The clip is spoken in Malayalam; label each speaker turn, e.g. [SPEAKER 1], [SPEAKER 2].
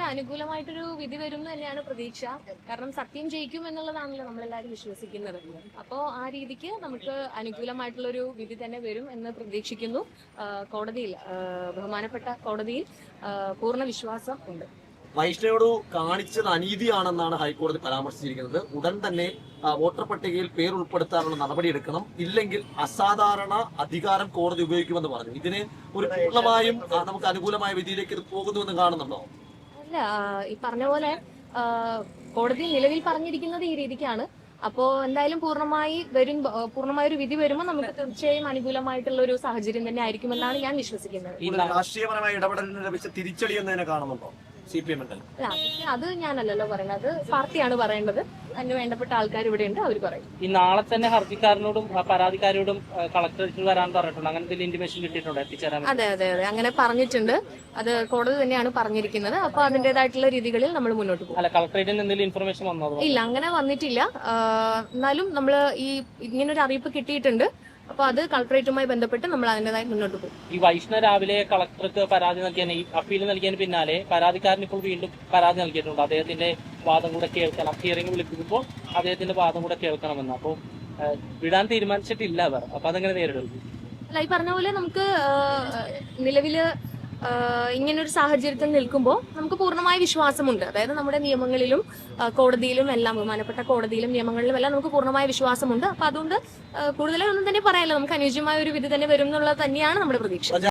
[SPEAKER 1] അനുകൂലമായിട്ടൊരു വിധി വരും എന്ന് തന്നെയാണ് പ്രതീക്ഷ. കാരണം സത്യം ജയിക്കും എന്നുള്ളതാണല്ലോ നമ്മളെല്ലാവരും വിശ്വസിക്കുന്നത്. അപ്പോൾ ആ രീതിക്ക് നമുക്ക് അനുകൂലമായിട്ടുള്ളൊരു വിധി തന്നെ വരും എന്ന് പ്രതീക്ഷിക്കുന്നു. കോടതിയിൽ, ബഹുമാനപ്പെട്ട കോടതിയിൽ പൂർണ്ണ വിശ്വാസം ഉണ്ട്.
[SPEAKER 2] വൈഷ്ണയോട് കാണിച്ചത് അനീതിയാണെന്നാണ് ഹൈക്കോടതി പരാമർശിച്ചിരിക്കുന്നത്. ഉടൻ തന്നെ വോട്ടർ പട്ടികയിൽ പേർ ഉൾപ്പെടുത്താനുള്ള നടപടിയെടുക്കണം, ഇല്ലെങ്കിൽ അസാധാരണ അധികാരം കോടതി ഉപയോഗിക്കുമെന്ന് പറഞ്ഞു. ഇതിന് ഒരു പൂർണ്ണമായും നമുക്ക് അനുകൂലമായ വിധിയിലേക്ക് ഇത് പോകുന്നുവെന്ന് കാണുന്നുണ്ടോ?
[SPEAKER 1] അല്ല, ഈ പറഞ്ഞ പോലെ കോടതി നിലവിൽ പറഞ്ഞിരിക്കുന്നത് ഈ രീതിക്കാണ്. അപ്പോ എന്തായാലും പൂർണ്ണമായ ഒരു വിധി വരുമ്പോൾ നമുക്ക് തീർച്ചയായും അനുകൂലമായിട്ടുള്ള ഒരു സാഹചര്യം തന്നെ ആയിരിക്കുമെന്നാണ് ഞാൻ വിശ്വസിക്കുന്നത്.
[SPEAKER 2] രാഷ്ട്രീയപരമായ ഇടപെടലിന് ലഭിച്ച തിരിച്ചടി എന്ന് തന്നെ കാണുന്നുണ്ടോ CPM?
[SPEAKER 1] അത് ഞാനല്ലല്ലോ പറയുന്നത്, അത് പാർട്ടിയാണ് പറയേണ്ടത്. അതിന് വേണ്ടപ്പെട്ട ആൾക്കാർ ഇവിടെ ഉണ്ട്, അവർ പറയും.
[SPEAKER 3] ഈ നാളെ തന്നെ ഹർജിക്കാരനോടും പരാതിക്കാരോടും കളക്ടറേറ്റിൽ വരാൻ പറഞ്ഞിട്ടുണ്ട്. അങ്ങനെ എന്തെങ്കിലും ഇന്റിമേഷൻ കിട്ടിയിട്ടുണ്ടോ എത്തിച്ചേരാൻ?
[SPEAKER 1] അതെ, അങ്ങനെ പറഞ്ഞിട്ടുണ്ട്. അത് കോടതി തന്നെയാണ് പറഞ്ഞിരിക്കുന്നത്. അപ്പൊ അതിന്റേതായിട്ടുള്ള രീതികളിൽ നമ്മൾ മുന്നോട്ട് പോകും.
[SPEAKER 3] അല്ല, കളക്ടറേറ്റിൽ നിന്ന് എന്തെങ്കിലും ഇൻഫർമേഷൻ വന്നോ?
[SPEAKER 1] ഇല്ല, അങ്ങനെ വന്നിട്ടില്ല. എന്നാലും നമ്മൾ ഇങ്ങനൊരു അറിയിപ്പ് കിട്ടിയിട്ടുണ്ട്. അപ്പൊ അത് കളക്ടറേറ്റുമായി ബന്ധപ്പെട്ട് നമ്മൾ അതിൻ്റെതായി മുന്നോട്ട് പോകും.
[SPEAKER 3] ഈ വൈഷ്ണവ് രാവിലെ കളക്ടർക്ക് പരാതി നൽകിയ ഈ അപ്പീൽ നൽകിയതിന് പിന്നാലെ പരാതിക്കാരൻ ഇപ്പോൾ വീണ്ടും പരാതി നൽകിയിട്ടുണ്ട്. അദ്ദേഹത്തിന്റെ വാദം കൂടെ കേൾക്കണം, ഹിയറിംഗ് വിളിക്കുമ്പോൾ അദ്ദേഹത്തിന്റെ വാദം കൂടെ കേൾക്കണമെന്ന്. അപ്പോൾ വിടാൻ തീരുമാനിച്ചിട്ടില്ല അവർ. അപ്പൊ അതെങ്ങനെ നേരിടും?
[SPEAKER 1] അല്ല, ഈ പറഞ്ഞ പോലെ നമുക്ക് നിലവില് ഇങ്ങനൊരു സാഹചര്യത്തിൽ നിൽക്കുമ്പോൾ നമുക്ക് പൂർണ്ണമായ വിശ്വാസമുണ്ട്. അതായത് നമ്മുടെ നിയമങ്ങളിലും കോടതിയിലും എല്ലാം, ബഹുമാനപ്പെട്ട കോടതിയിലും നിയമങ്ങളിലും എല്ലാം നമുക്ക് പൂർണ്ണമായ വിശ്വാസമുണ്ട്. അപ്പൊ അതുകൊണ്ട് കൂടുതലായി ഒന്നും തന്നെ പറയാനില്ല. നമുക്ക് അനുയോജ്യമായ ഒരു വിധി തന്നെ വരും എന്നുള്ളത് തന്നെയാണ് നമ്മുടെ പ്രതീക്ഷ.